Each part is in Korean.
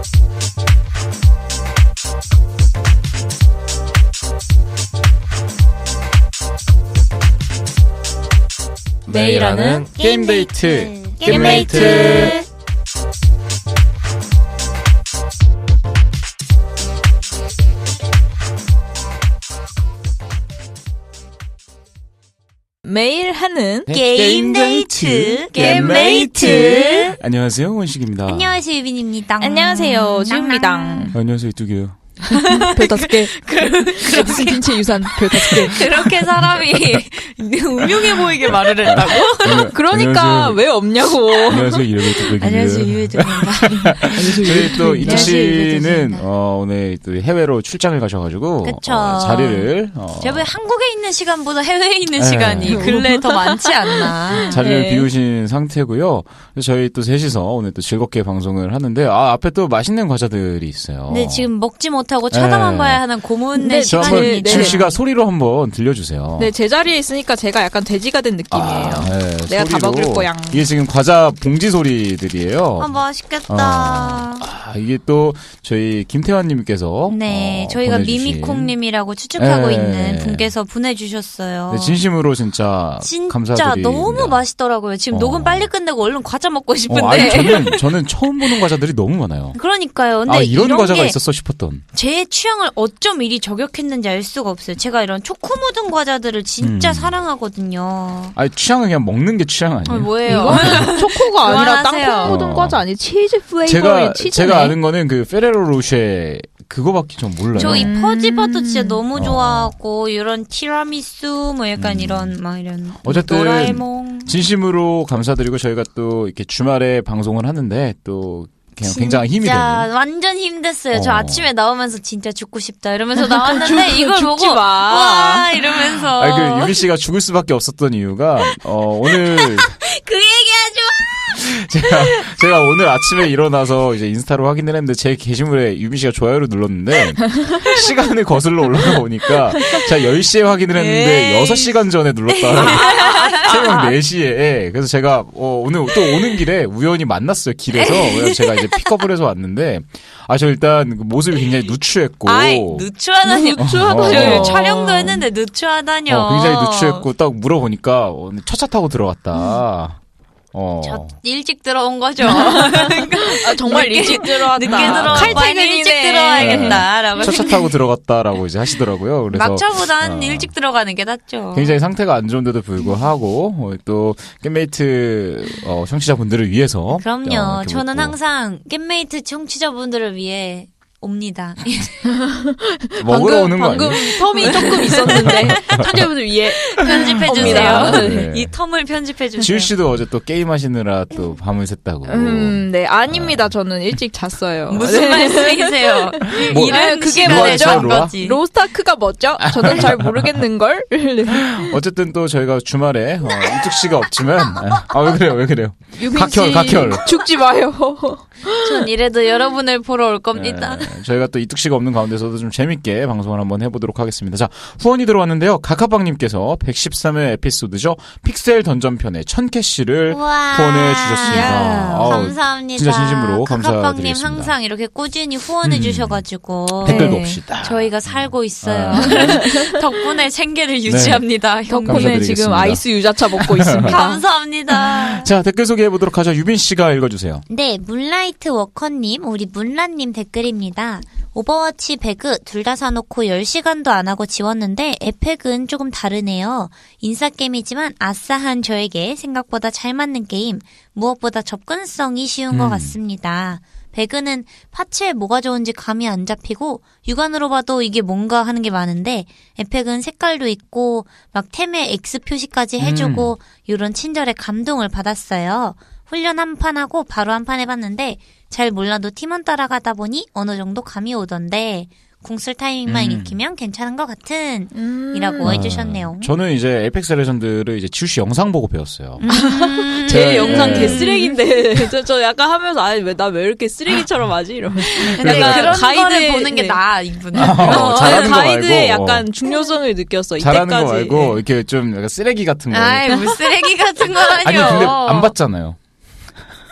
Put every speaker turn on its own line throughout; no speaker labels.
매일 하는 게임데이트 게임메이트.
매일 하는
게임데이트
게임메이트.
안녕하세요, 원식입니다.
안녕하세요, 유빈입니다.
안녕하세요, 지훈입니다.
안녕하세요, 이뚝이에요.
별 5개. 에디슨 핀체 유산 별 5개.
그렇게 사람이 음흉해 보이게 말을 했다고?
그러니까
안녕하세요.
왜 없냐고.
안녕하세요, 이래봬 뚝배기입니다.
안녕하세요, 유빈입니다.
저희 또 이뚝 씨는
유빈입니다.
오늘 또 해외로 출장을 가셔가지고
그쵸.
자리를
저번 한국에 있는 시간보다 해외에 있는
네.
시간이 근래에 더 많지 않나.
자리를
네.
비우신 상태고요. 그래서 저희 또 셋이서 오늘 또 즐겁게 방송을 하는데 앞에 또 맛있는 과자들이 있어요.
근데 지금 먹지 못하고 쳐다만
네.
봐야 하는 고문의
네,
저 한번
시간입니다.
지우 씨가 소리로 한번 들려주세요.
네, 제 자리에 있으니까 제가 약간 돼지가 된 느낌이에요.
네,
내가 다
소리로.
먹을 거야.
이게 지금 과자 봉지 소리들이에요.
아, 맛있겠다.
이게 또 저희 김태환님께서
네, 저희가
보내주신.
미미콩님이라고 추측하고
네.
있는 분께서 보내주셨어요.
네, 진심으로 진짜 감사드립니다.
너무 맛있더라고요. 지금 녹음 빨리 끝내고 얼른 과자 먹고 싶은데.
아니 저는 처음 보는 과자들이 너무 많아요.
그러니까요. 근데
이런 과자가
게
있었어 싶었던.
제 취향을 어쩜 이리 저격했는지 알 수가 없어요. 제가 이런 초코 묻은 과자들을 진짜 사랑하거든요.
아니 취향은 그냥 먹는 게 취향 아니에요?
뭐예요?
이거는 초코가 아니라
그만하세요.
땅콩 묻은 과자 아니 치즈 플레이버의 치즈네.
제가 아는 거는 그 페레로 로쉐 그거밖에 좀 몰라요.
저 이 퍼지버터 진짜 너무 좋아하고 이런 티라미수 뭐 약간 이런
어쨌든
도라에몽
진심으로 감사드리고 저희가 또 이렇게 주말에 방송을 하는데 또 그냥 굉장히 힘이 되는.
완전 힘됐어요. 저
어.
아침에 나오면서 진짜 죽고 싶다 이러면서 나왔는데 이걸 보고
죽지 마.
와 이러면서
아니 그 유미 씨가 죽을 수밖에 없었던 이유가 오늘
그 얘기하지 마.
제가 오늘 아침에 일어나서 이제 인스타로 확인을 했는데 제 게시물에 유미 씨가 좋아요를 눌렀는데 시간을 거슬러 올라가 보니까 제가 10시에 확인을 했는데 6시간 전에 눌렀다. 새벽 4시에. 그래서 제가 오늘 또 오는 길에 우연히 만났어요. 길에서. 그래서 제가 이제 픽업을 해서 왔는데 저 일단 그 모습이 굉장히 누추했고
누추하다니.
누추하다뇨.
촬영도 했는데 누추하다뇨.
굉장히 누추했고 딱 물어보니까 오늘 첫차 타고 들어갔다.
저 일찍 들어온 거죠.
정말 일찍 들어왔다.
늦게 들어와 일찍 들어와야겠다라고.
첫차 타고 들어갔다라고 이제 하시더라고요. 그래서
막차보단 일찍 들어가는 게 낫죠.
굉장히 상태가 안 좋은데도 불구하고 또 겜메이트 청취자분들을 위해서
그럼요.
이렇게
저는
먹고.
항상 겜메이트 청취자분들을 위해 옵니다.
먹으러 오는 거
방금
아니에요?
텀이 조금 있었는데 청취자분들 위해
편집해주세요.
옵니다.
네.
이 텀을 편집해주세요.
지우 씨도 어제 또 게임 하시느라 또 밤을 샜다고.
네, 아닙니다. 저는 일찍 잤어요.
무슨 말씀이세요?
뭐,
이런
그게
시간에
뭐죠?
잔 거지.
로스타크가 뭐죠? 저는 잘 모르겠는걸?
어쨌든 또 저희가 주말에 이뚝 씨가 없지만 왜 그래요?
유빈
각혈.
죽지 마요.
전 이래도 여러분을 보러 올 겁니다.
네, 저희가 또 이뚝 씨가 없는 가운데서도 좀 재밌게 방송을 한번 해보도록 하겠습니다. 자, 후원이 들어왔는데요. 카카방님께서 113회 에피소드죠. 픽셀 던전편의 1000캐시를 후원해 주셨습니다. 아우,
감사합니다.
진짜 진심으로
카카방님
감사드리겠습니다.
항상 이렇게 꾸준히 후원해 주셔가지고
댓글도
네.
없이다.
저희가 살고 있어요. 덕분에 생계를 유지합니다.
덕분에
감사드리겠습니다.
지금 아이스 유자차 먹고 있습니다.
감사합니다.
자, 댓글 소개해보도록 하죠. 유빈 씨가 읽어주세요.
네, 문라이트 워커님, 우리 문라님 댓글입니다. 오버워치 배그 둘 다 사놓고 10시간도 안 하고 지웠는데 에펙은 조금 다르네요. 인싸게임이지만 아싸한 저에게 생각보다 잘 맞는 게임, 무엇보다 접근성이 쉬운 것 같습니다. 배그는 파츠에 뭐가 좋은지 감이 안 잡히고 육안으로 봐도 이게 뭔가 하는 게 많은데 에펙은 색깔도 있고 막 템에 X 표시까지 해주고 이런 친절에 감동을 받았어요. 훈련 한 판 하고 바로 한 판 해봤는데 잘 몰라도 팀원 따라가다 보니 어느 정도 감이 오던데 궁쓸 타이밍만 익히면 괜찮은 것 같은 이라고 해주셨네요.
저는 이제 에이펙스 레전드를 이제 지우 씨 영상 보고 배웠어요.
제
네.
영상 개쓰레기인데 저 약간 하면서 나 왜 이렇게 쓰레기처럼 하지? 이러면서
근데
약간
그런
가이드에-
거를 보는 게
네.
나아 이분은.
잘하는 거
가이드의
말고,
약간 중요성을 느꼈어.
잘하는
이때까지.
거 말고 이렇게 좀 약간 쓰레기 같은 거.
아이 뭐 쓰레기 같은
아니
거라뇨.
근데 안 봤잖아요.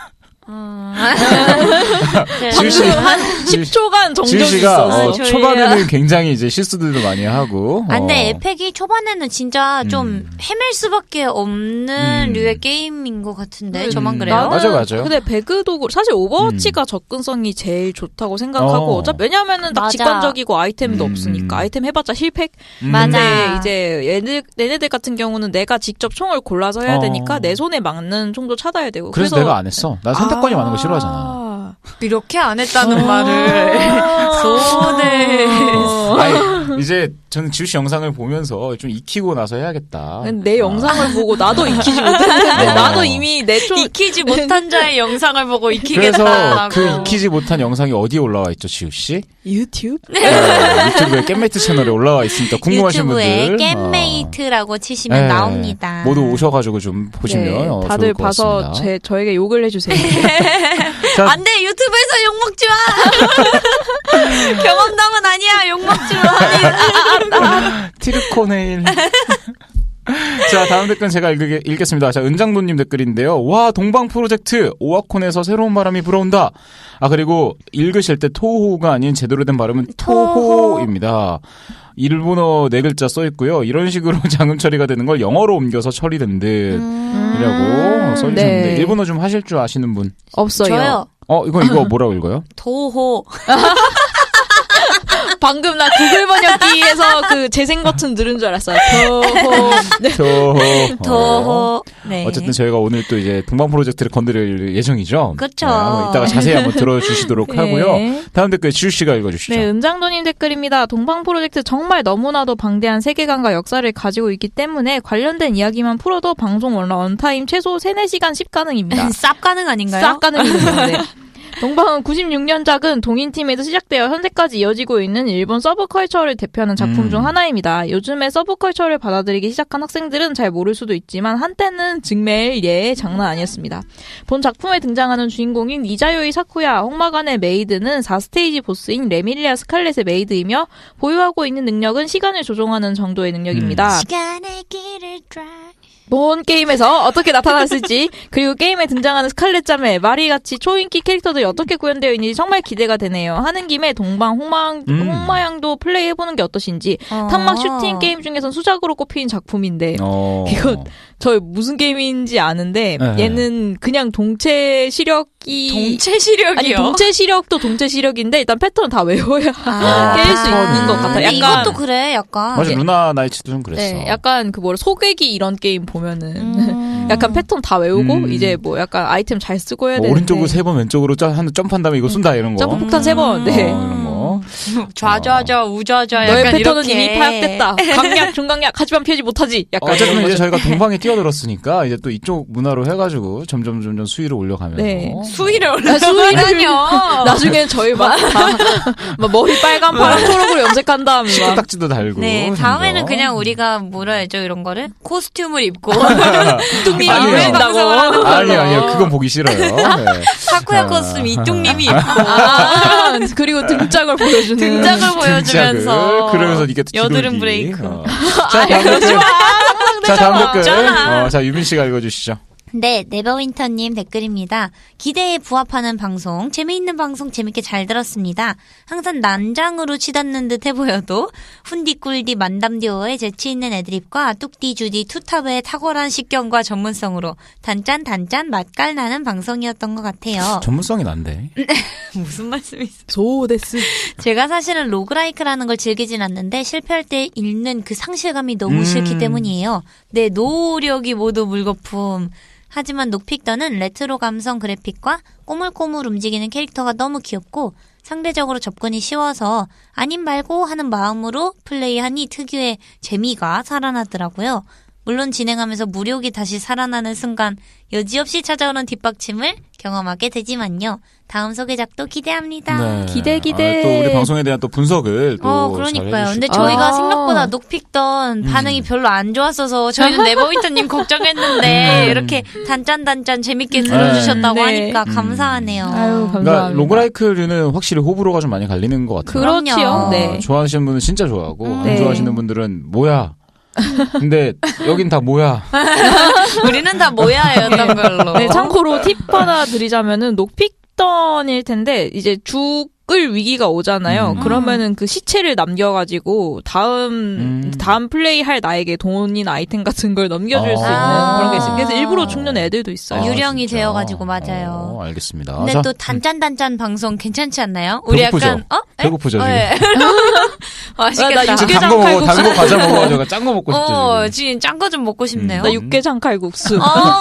지우 씨,
한 10초간
지우
정적이
씨가
있었어.
초반에는 굉장히 이제 실수들도 많이 하고.
아, 근데 에펙이 초반에는 진짜 좀 헤맬 수밖에 없는 류의 게임인 것 같은데 저만 그래요?
맞아요.
근데 배그도 사실 오버워치가 접근성이 제일 좋다고 생각하고 어차피 왜냐면은 딱
맞아.
직관적이고 아이템도 없으니까 아이템 해봤자 실패.
맞아.
근데 이제 얘네들 같은 경우는 내가 직접 총을 골라서 해야 되니까 내 손에 맞는 총도 찾아야 되고.
그래서 내가 안 했어. 난 선택권이 많은 거 싫어하잖아.
이렇게 안 했다는 말을 손을
아니, 이제 저는 지우 씨 영상을 보면서 좀 익히고 나서 해야겠다.
내 영상을 보고 나도 익히지 못했는데 나도 이미 내 총
익히지 못한 자의 영상을 보고
그래서
익히겠다라고.
그 익히지 못한 영상이 어디에 올라와 있죠, 지우 씨?
유튜브?
유튜브에 겜메이트 채널에 올라와 있으니까 궁금하신
유튜브에
분들
겜메이트라고 치시면
네.
나옵니다.
모두 오셔가지고 좀 보시면
네,
좋을
다들
것
봐서
같습니다.
저에게 욕을 해주세요.
자,
안 돼, 유튜브에서 욕먹지 마! 경험담은 아니야, 욕먹지 마!
티르코네일. 자, 다음 댓글은 제가 읽겠습니다. 자, 은장도님 댓글인데요. 와, 동방 프로젝트 오와콘에서 새로운 바람이 불어온다. 아, 그리고 읽으실 때 토호가 아닌 제대로 된 발음은 토호입니다. 일본어 4글자 써있고요. 이런 식으로 장음 처리가 되는 걸 영어로 옮겨서 처리된 듯이라고 써주셨는데
네.
일본어 좀 하실 줄 아시는 분?
없어요.
저요.
이거 뭐라고 읽어요?
도호.
방금 나 구글 번역기에서 그 재생 버튼 누른 줄 알았어요.
토호.
도호. 네.
어쨌든 저희가 오늘 또 이제 동방 프로젝트를 건드릴 예정이죠.
그쵸.
네, 한번 이따가 자세히 한번 들어주시도록
네.
하고요. 다음 댓글 지우 씨가 읽어주시죠.
네, 은장도님 댓글입니다. 동방 프로젝트 정말 너무나도 방대한 세계관과 역사를 가지고 있기 때문에 관련된 이야기만 풀어도 방송 원타임 최소 3-4시간씩 가능입니다.
쌉 가능 아닌가요?
싹 가능입니다. 네. 동방은 96년작은 동인팀에서 시작되어 현재까지 이어지고 있는 일본 서브컬처를 대표하는 작품 중 하나입니다. 요즘에 서브컬처를 받아들이기 시작한 학생들은 잘 모를 수도 있지만 한때는 정말 장난 아니었습니다. 본 작품에 등장하는 주인공인 이자요이 사쿠야, 홍마간의 메이드는 4스테이지 보스인 레밀리아 스칼렛의 메이드이며 보유하고 있는 능력은 시간을 조종하는 정도의 능력입니다.
시간의 길을 drive.
본 게임에서 어떻게 나타났을지 그리고 게임에 등장하는 스칼렛 자매, 마리같이 초인기 캐릭터들이 어떻게 구현되어 있는지 정말 기대가 되네요. 하는 김에 동방 홍마양도 플레이해보는 게 어떠신지. 탄막 슈팅 게임 중에선 수작으로 꼽히는 작품인데 이거 저 무슨 게임인지 아는데
네.
얘는 그냥 동체 시력이
동체 시력이요?
아니 동체 시력도 동체 시력인데 일단 패턴 다 외워야 깰 수 있는 것 같아요.
근데
약간
이것도 그래, 약간.
맞아, 루나 나이츠도 좀 그랬어.
네, 약간 그 뭐라 소개기 이런 게임 보면은 약간 패턴 다 외우고 이제 뭐 약간 아이템 잘 쓰고 해야 되는데
오른쪽으로 3번, 왼쪽으로 한 점프한 다음에 이거 쏜다 이런 거.
점프 폭탄 3번. 네.
이런 거.
좌좌좌 우좌좌
너의
약간
패턴은
이렇게.
이미 파악됐다. 강약, 중강약, 하지만 피하지 못하지. 약간
어쨌든
이런
이제
거죠.
저희가 동방에 뛰어들었으니까 이제 또 이쪽 문화로 해가지고 점점 수위를 올려가면서.
네.
수위를 올려. 수위라뇨.
나중에 저희 막 머리 빨간, 파란, 초록으로 염색한 다음에 막
식구딱지도 달고.
네,
심지어.
다음에는 그냥 우리가 뭐라 해죠 이런 거를? 코스튬을 입고.
뚱님이
아니요.
입으신다고.
아니요. 그건 보기 싫어요. 네.
사쿠야
자.
코스튬 이뚱님이 입고.
아, 그리고 등짝을 보여주는.
등짝을 보여주면서.
등짝을, 그러면서 이게 또
여드름
뒤돌기.
브레이크.
자, 다음 댓글. 자, 다음 댓글.
없잖아.
자, 유민 씨가 읽어주시죠.
네, 네버윈터님 댓글입니다. 기대에 부합하는 방송, 재미있는 방송 재밌게 잘 들었습니다. 항상 난장으로 치닫는 듯 해보여도 훈디꿀디 만담디오의 재치있는 애드립과 뚝디주디 투탑의 탁월한 식견과 전문성으로 단짠 맛깔나는 방송이었던 것 같아요.
전문성이 난데.
무슨 말씀이세요?
소데스.
제가 사실은 로그라이크라는 걸 즐기진 않는데 실패할 때 잃는 그 상실감이 너무 싫기 때문이에요. 내 노력이 모두 물거품. 하지만 녹픽더는 레트로 감성 그래픽과 꼬물꼬물 움직이는 캐릭터가 너무 귀엽고 상대적으로 접근이 쉬워서 아님 말고 하는 마음으로 플레이하니 특유의 재미가 살아나더라고요. 물론 진행하면서 무력이 다시 살아나는 순간 여지없이 찾아오는 뒷받침을 경험하게 되지만요. 다음 소개작도 기대합니다.
네.
기대.
또 우리 방송에 대한 또 분석을 또
그러니까요.
잘
근데
해주시고.
저희가 생각보다 녹픽던 반응이 별로 안 좋았어서 저희는 네버윈터님 걱정했는데 이렇게 단짠 재밌게 들어주셨다고
네.
하니까 감사하네요.
아유, 감사합니다.
그러니까 로그라이크류는 확실히 호불호가 좀 많이 갈리는 것 같아요.
그렇지요.
그럼요.
네.
좋아하시는 분은 진짜 좋아하고 안
네.
좋아하시는 분들은 뭐야 근데 여긴 다 뭐야?
우리는 다 모야였던 걸로.
네, 참고로 팁 하나 드리자면은 녹픽던일 텐데 이제 죽을 위기가 오잖아요. 그러면은 그 시체를 남겨가지고 다음 플레이 할 나에게 돈이나 아이템 같은 걸 넘겨줄 수 있는 그런 게 있어요. 그래서 일부러 죽는 애들도 있어요.
유령이
진짜?
되어가지고 맞아요.
알겠습니다.
근데
자,
또 단짠단짠 방송 괜찮지 않나요? 우리
배고프죠?
약간
배고프죠, 지금?
네. 맛있겠다.
나
지금
육개장
단거 먹어,
칼국수.
단거 과자 먹어가지고 짠 거 먹고 싶죠. 지금.
지금 짠 거 좀 먹고 싶네요.
나 육개장 칼국수.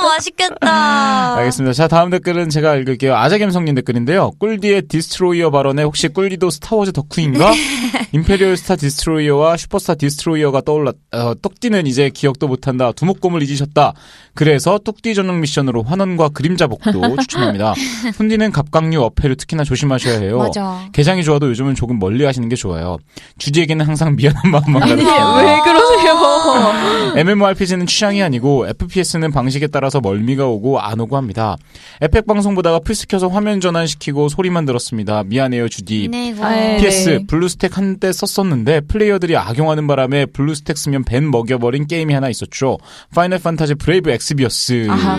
맛있겠다.
알겠습니다. 자, 다음 댓글은 제가 읽을게요. 아재갬성님 댓글인데요. 꿀디의 디스트로이어 발언에 혹시 꿀디도 스타워즈 덕후인가? 임페리얼 스타 디스트로이어와 슈퍼스타 디스트로이어가 똑띠는 이제 기억도 못한다. 두목곰을 잊으셨다. 그래서 뚝띠 전용 미션으로 환원과 그림자 복도 추천합니다. 훈디는 갑각류 어패를 특히나 조심하셔야 해요.
맞아.
개장이 좋아도 요즘은 조금 멀리 하시는 게 좋아요. 주디에게는 항상 미안한 마음만
아니,
가득해요.
왜 그러세요?
MMORPG는 취향이 아니고 FPS는 방식에 따라서 멀미가 오고 안 오고 합니다. 에펙 방송 보다가 플스 켜서 화면 전환시키고 소리만 들었습니다. 미안해요 주디.
네, 이거.
아이,
PS
네.
블루스택 한때 썼었는데 플레이어들이 악용하는 바람에 블루스택 쓰면 벤 먹여버린 게임이 하나 있었죠. 파이널 판타지 브레이브 엑스비어스.
아하,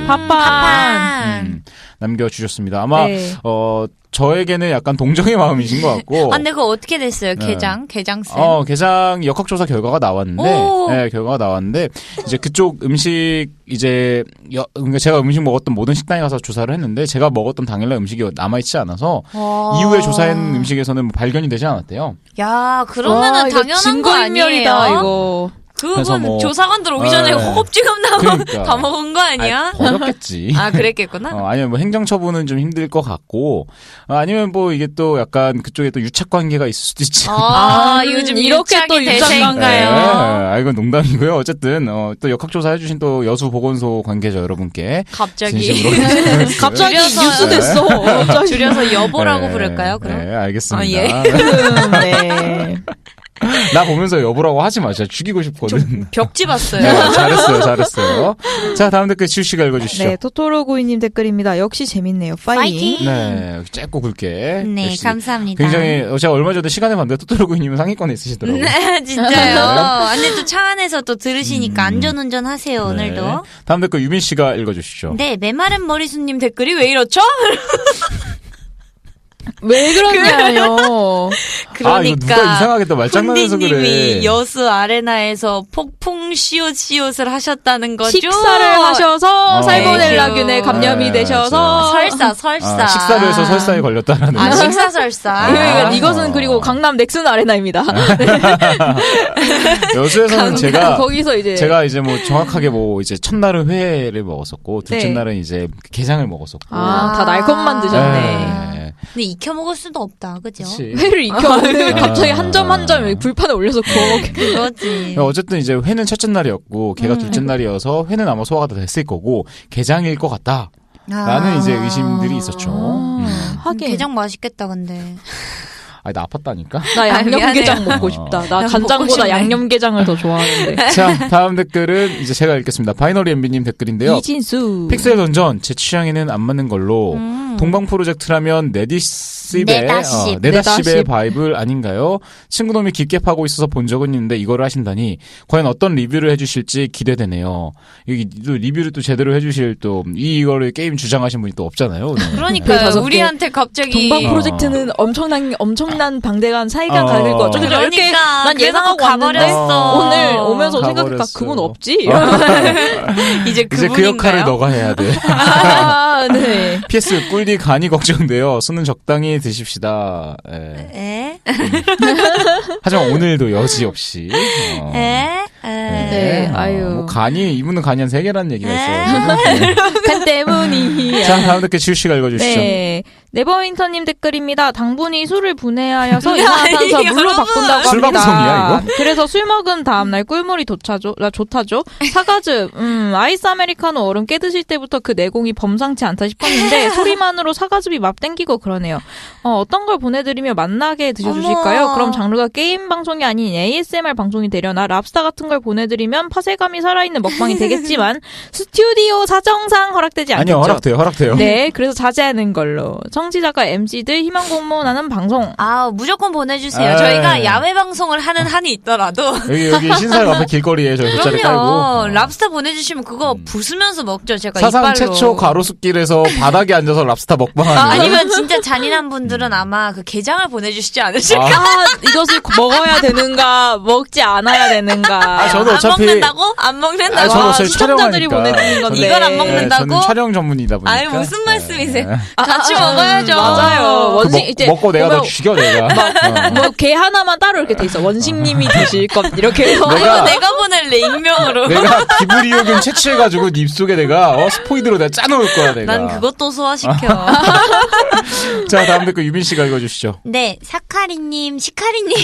팝빵.
남겨주셨습니다. 아마
네.
저에게는 약간 동정의 마음이신 것 같고.
근데 그거 어떻게 됐어요?
네.
게장쌤.
게장 역학조사 결과가 나왔는데,
오.
네, 결과가 나왔는데, 이제 그쪽 음식, 그러니까 제가 음식 먹었던 모든 식당에 가서 조사를 했는데, 제가 먹었던 당일날 음식이 남아있지 않아서, 이후에 조사한 음식에서는 뭐 발견이 되지 않았대요.
야, 그러면은
와, 이거
당연한 거
증거인멸이다,
아니에요?
이거.
그래서
그분
뭐-
조사관들 오기 전에
네.
허겁지겁 나고
그러니까.
다 먹은 거 아니야?
버렸겠지.
아, 그랬겠구나.
아니면 뭐 행정처분은 좀 힘들 것 같고, 아니면 뭐 이게 또 약간 그쪽에 또 유착 관계가 있을 수도 있지.
요즘
이렇게 또
유착이
유착관가요?
이건 농담이고요. 어쨌든 또 역학조사 해주신 또 여수 보건소 관계자 여러분께
갑자기.
진심으로
갑자기
줄여서-
뉴스 됐어. 갑자기.
줄여서 여보라고
네,
부를까요, 그럼?
네, 알겠습니다.
예.
네.
나 보면서 여보라고 하지 마. 진짜 죽이고 싶거든.
벽 집었어요.
네, 잘했어요. 자, 다음 댓글 지우 씨가 읽어주시죠.
네, 토토로구이님 댓글입니다. 역시 재밌네요. 파이팅.
파이팅.
네, 짧고 굵게.
네,
역시
감사합니다.
굉장히 제가 얼마 전에 시간에 봤는데 토토로구이님은 상위권에 있으시더라고요.
네, 진짜요. 근데 또 차 안에서 또 들으시니까 안전운전 하세요,
네.
오늘도.
다음 댓글 유민 씨가 읽어주시죠.
네, 메마른 머리수님 댓글이 왜 이렇죠?
왜 그러냐요.
이거 누가 이상하게 또 말장난해서 그래.
훈디님이 여수 아레나에서 폭풍 시옷을 하셨다는 거죠?
식사를 하셔서
어.
살모넬라균에 감염이
네,
되셔서
설사.
식사를 해서 설사에 걸렸다라는.
아, 식사 설사.
그러니까 이것은 그리고 강남 넥슨 아레나입니다.
여수에서는
거기서 이제
제가 이제 뭐 정확하게 뭐 이제 첫날은 회를 먹었었고 둘째
네.
날은 이제 게장을 먹었었고.
다 날것만 드셨네.
네.
근데 익혀 먹을 수도 없다, 그죠?
그치.
회를 익혀 오늘 갑자기 한 점 한 점 불판에 올려서 구워 먹게.
그거지.
어쨌든 이제 회는 첫째 날이었고 걔가 둘째 날이어서 회는 아마 소화가 다 됐을 거고 게장일 것 같다. 라는 이제 의심들이 있었죠.
하긴
게장 맛있겠다, 근데.
나 아팠다니까.
나 양념게장
미안해요.
먹고 싶다. 나
먹고
간장보다
싶네.
양념게장을 더 좋아하는데.
자, 다음 댓글은 이제 제가 읽겠습니다. 바이너리 MB님 댓글인데요.
이진수.
픽셀 던전 제 취향에는 안 맞는 걸로 동방 프로젝트라면 네다십의
네다십.
바이블 아닌가요? 친구놈이 깊게 파고 있어서 본 적은 있는데 이거를 하신다니 과연 어떤 리뷰를 해주실지 기대되네요. 여기 또 리뷰를 또 제대로 해주실 또 이거를 게임 주장하신 분이 또 없잖아요. 네.
그러니까
다섯 개.
우리한테 갑자기
동방 프로젝트는 엄청난 방대한 사이가 가질 거죠. 그죠? 이렇게
그러니까
난 예상하고 왔는데
가버렸어.
오늘 오면서 생각하니까
가버렸어.
그건 없지.
이제
이제
그
그분인가요?
역할을 너가 해야 돼.
아, 네.
PS 꿀디 간이 걱정돼요. 술은 적당히 드십시다. 예.
에?
하지만 오늘도 여지없이.
네, 아유.
뭐 간이 이분은 간이 한 3개라는 얘기가 있어요.
간 때문이야.
자, 다음 댓글 지우 씨가 읽어주시죠.
네. 네버윈터님 댓글입니다. 당분이 술을 분해하여서 이산화탄소
아니,
물로 바꾼다고
술
합니다.
방송이야, 이거?
그래서 술 먹은 다음날 꿀물이 좋다죠. 사과즙, 아이스 아메리카노 얼음 깨드실 때부터 그 내공이 범상치 않다 싶었는데 소리만으로 사과즙이 막 땡기고 그러네요. 어떤 걸 보내드리며 맛나게 드셔주실까요?
어머.
그럼 장르가 게임 방송이 아닌 ASMR 방송이 되려나 랍스타 같은 걸 영상을 보내드리면 파쇄감이 살아있는 먹방이 되겠지만 스튜디오 사정상 허락되지 않겠죠.
아니요, 허락돼요.
네, 그래서 자제하는 걸로. 청취자가 MC들 희망 공모하는 방송.
아, 무조건 보내주세요.
에이.
저희가 야외 방송을 하는 한이 있더라도.
여기 신사역 앞에 길거리에 저희 돗자리 깔고.
그럼요. 랍스터 보내주시면 그거 부수면서 먹죠. 제가
사상
이빨로.
최초 가로수길에서 바닥에 앉아서 랍스터 먹방하는.
아니면 진짜 잔인한 분들은 아마 그 게장을 보내주시지 않으실까?
아, 이것을 먹어야 되는가, 먹지 않아야 되는가.
아, 저도
안
어차피-
먹는다고? 안 먹는다고?
아, 저도
와,
어차피
시청자들이
촬영하니까.
보내주는 건데.
이걸 안 먹는다고?
저는 촬영 전문이다 보니까.
아유, 무슨 말씀이세요?
네.
같이 먹어야죠.
맞아요.
그
원식, 이제.
먹고 내가 너
보면
죽여 내가.
뭐, 개 하나만 따로 이렇게 돼 있어. 원식님이 드실 것, 이렇게 해서.
내가-
내가 보낼래, 익명으로.
내가 기브리오균 채취해가지고 네 입속에 내가 스포이드로 내가 짜놓을 거야 내가.
난 그것도 소화시켜.
자 다음 댓글 유빈 씨가 읽어주시죠.
네, 사카리님, 시카리님.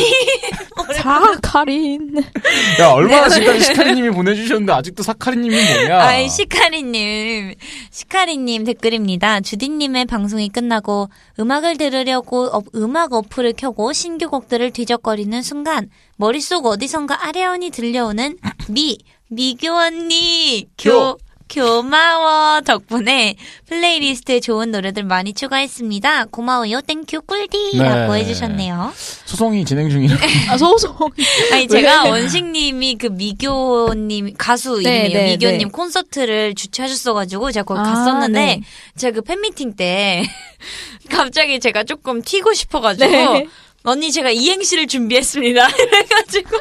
사카린.
야 얼마나 지금까지 시카리님이 보내주셨는데 아직도 사카리님이 뭐냐?
아이, 시카리님. 시카리님 댓글입니다. 주디님의 방송이 끝나고 음악을 들으려고 음악 어플을 켜고 신규 곡들을 뒤적거리는 순간 머릿속 어디선가 아련히 들려오는 미교 언니, 교마워 덕분에 플레이리스트에 좋은 노래들 많이 추가했습니다. 고마워요. 땡큐 꿀디 라고
네.
해주셨네요.
소송이 진행 중이라.
아, 소송.
아니 제가 원식님이 그 미교님 가수
네,
이름이에요.
네,
미교님
네.
콘서트를 주최하셨어가지고 제가 거기
아,
갔었는데
네.
제가 그 팬미팅 때 갑자기 제가 조금 튀고 싶어가지고
네.
언니 제가 이행시를 준비했습니다. 이래가지고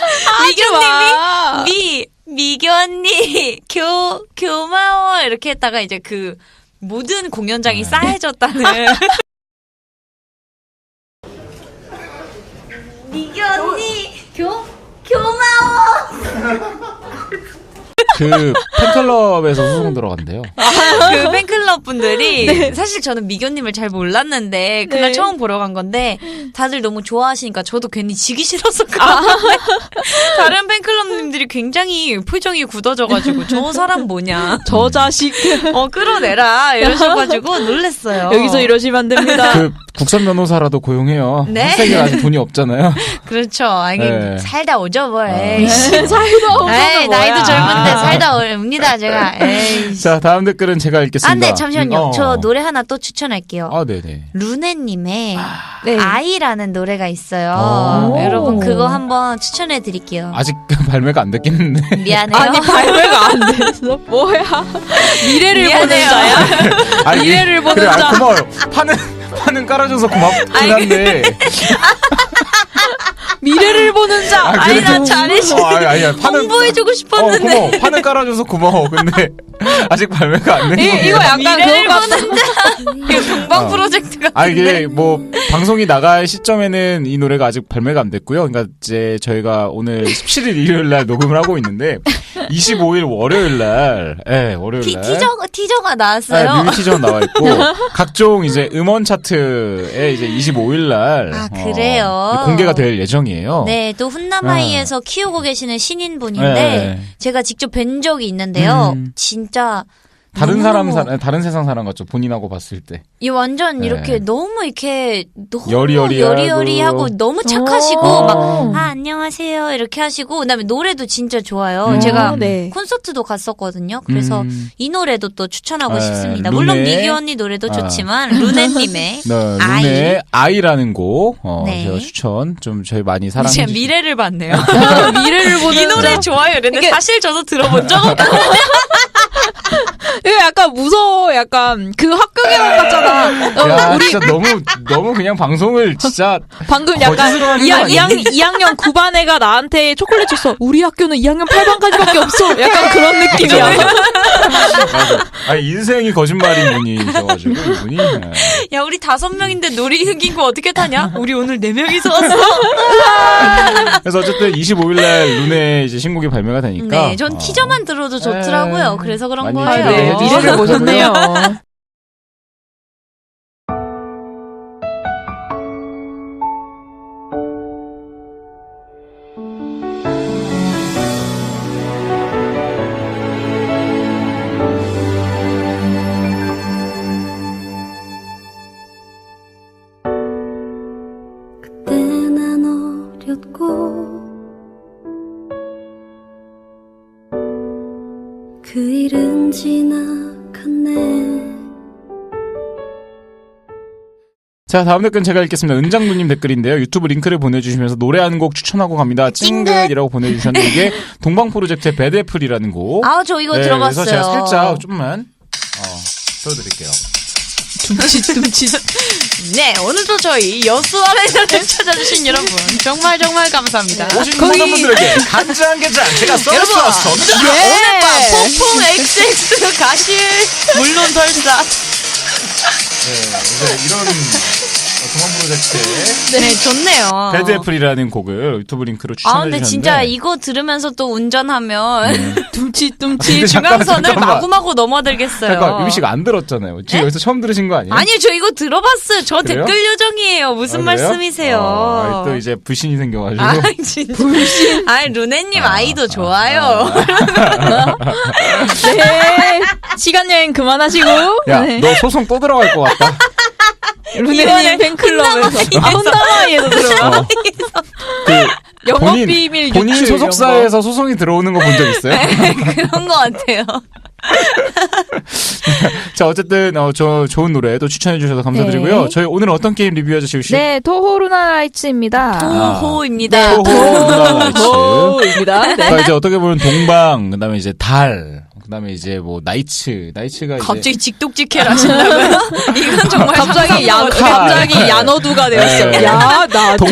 마.
미교님이 미교 언니 교마워 이렇게 했다가 이제 그 모든 공연장이 싸해졌다는 미교 언니 교마워
그 팬클럽에서 소송 들어간대요.
그 팬클럽 분들이 사실 저는 미교님을 잘 몰랐는데 그날
네.
처음 보러 간 건데 다들 너무 좋아하시니까 저도 괜히 지기 싫어서 그런데 다른 팬클럽님들이 굉장히 표정이 굳어져가지고 저 사람 뭐냐
저 자식.
끌어내라 이러셔가지고 놀랬어요.
여기서 이러시면 안 됩니다.
그 국선 변호사라도 고용해요.
네.
학생이 아직 돈이 없잖아요.
그렇죠. 아니
네.
살다 오죠 뭐. 에이씨.
사이도
에이, 나이도 젊은데
아.
살다 옵니다 제가. 에이.
자 다음 댓글은 제가 읽겠습니다.
아, 네, 잠시만요.
어.
저 노래 하나 또 추천할게요.
아 네네.
루네님의
네.
아이라는 노래가 있어요.
오.
여러분 그거 한번 추천해 드릴게요.
아직 발매가 안 됐겠는데.
미안해요.
아니, 발매가 안 됐어. 뭐야. 미래를 보는
미안해요.
자야?
아니,
미래를 보는
그래,
자.
고마워요. 파는 깔아줘서 고맙긴 한데.
미래를 보는 자.
아니,
그래도-
나 잘해주고
아니야.
홍보해주고 싶었는데.
고마워. 파는 깔아줘서 고마워. 근데 아직 발매가 안 된 거예요.
이거 약간
미래를
그거 같아.
보는 자. 이거 동방
어.
프로젝트 같은데.
아 이게 뭐 방송이 나갈 시점에는 이 노래가 아직 발매가 안 됐고요. 그러니까 이제 저희가 오늘 17일 일요일 날 녹음을 하고 있는데 25일 월요일 날, 월요일 날
티저가 나왔어요.
뮤비 티저 나와 있고 각종 이제 음원 차트에 이제 25일 날
아, 그래요?
공개가 될 예정이에요.
네, 또 훈남아이에서 키우고 계시는 신인분인데
네.
제가 직접 뵌 적이 있는데요.
음.
진짜
다른
너무너무
다른 세상 사람 같죠. 본인하고 봤을 때.
이 완전
네.
이렇게 너무 이렇게 너무
여리여리하고.
여리여리하고 너무 착하시고
오.
막 안녕하세요 이렇게 하시고 그다음에 노래도 진짜 좋아요.
음.
제가
네.
콘서트도 갔었거든요. 그래서
이
이 노래도 또 추천하고
네,
싶습니다.
루네.
물론 미기 언니 노래도 좋지만 루네님의
네,
아이.
룬의 아이라는 곡
네.
제가 추천 좀 저희 많이 사랑해
제가
주시고
미래를 봤네요.
미래를 보는
이 노래
자.
좋아요. 이랬는데
이게-
사실 저도 들어본 적 없거든요.
이거 약간 무서워. 약간 그 학교계란 같잖아.
야,
우리
진짜 너무 그냥 방송을 진짜
방금 약간
거짓으로 하는 거 아니야?
2학년 9반 애가 나한테 초콜릿 줬어. 우리 학교는 2학년 8반까지밖에 없어. 약간 그런 느낌이야.
아니 인생이 거짓말인 분이셔가지고 이분이 네.
야 우리 5명인데 놀이기구 어떻게 타냐? 우리 오늘 4명이서 왔어.
그래서 어쨌든 25일날 룬의 이제 신곡이 발매가 되니까
네, 전 티저만 들어도 좋더라고요. 그래서 그런
많이
거예요.
기대해
네,
주시고요.
미래를 보셨네요.
그때 난 어렸고 내일은 지나갔네.
자, 다음 댓글은 제가 읽겠습니다. 은장누님 댓글인데요. 유튜브 링크를 보내주시면서 노래 한 곡 추천하고 갑니다. 찡긋이라고 보내주셨는데 이게 동방 프로젝트의 배드애플이라는 곡.
아, 저 이거
네,
들어봤어요.
그래서 제가 살짝 좀만 들어드릴게요.
둠칫.
네, 오늘도 저희 여수아레나를 찾아주신 여러분 정말 감사합니다.
오신 모든 분들에게 간장게장 제가
여러분,
쏘았습니다.
오늘 밤 폭풍 XX 가실 물론 설사.
네, 이제 이런 동방 프로젝트의
네, 좋네요.
배드애플이라는 곡을 유튜브 링크로
아,
추천해
근데
주셨는데
진짜 이거 들으면서 또 운전하면
둠칫.
근데
중앙선을
잠깐만.
마구마구 넘어들겠어요.
잠깐 유미 씨가 안 들었잖아요. 지금 여기서 처음 들으신 거 아니에요?
아니요, 저 이거 들어봤어요. 저
그래요?
댓글 요정이에요. 무슨
아, 그래요?
말씀이세요?
또 이제 불신이 생겨가지고
아, 진짜. 아이, 루네님 아이도 좋아요.
네. 시간 여행 그만하시고.
야,
네.
너 소송 또 들어갈 것 같다.
루네님 팬클럽에서. 혼다마이에서 들어요.
그
영업
본인-
비밀
본인
유출
소속사에서 소송이 들어오는 거 본 적 있어요?
그런 것 같아요.
자, 어쨌든 저 좋은 노래 또 추천해 주셔서 감사드리고요.
네.
저희 오늘 어떤 게임 리뷰하죠, 지우 씨?
네, 토호루나라이츠입니다.
토호입니다.
토호루나라이츠.
토호입니다. 네.
자, 이제 어떻게 보면 동방, 그다음에 이제 달, 그다음에 이제 뭐 나이츠가 이제
갑자기 직독직해를 하신다고요? 이건 정말
갑자기 야너두가 되었어요.
네.
야, 나도.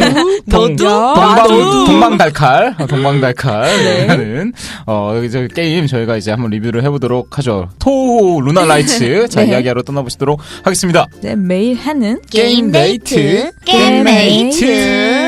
동방달칼 동방달칼이라는 이제 게임 저희가 이제 한번 리뷰를 해보도록 하죠. 토호 루나라이츠 자
네.
이야기하러 떠나보시도록 하겠습니다.
네, 매일 하는
게임 데이트.
게임 데이트.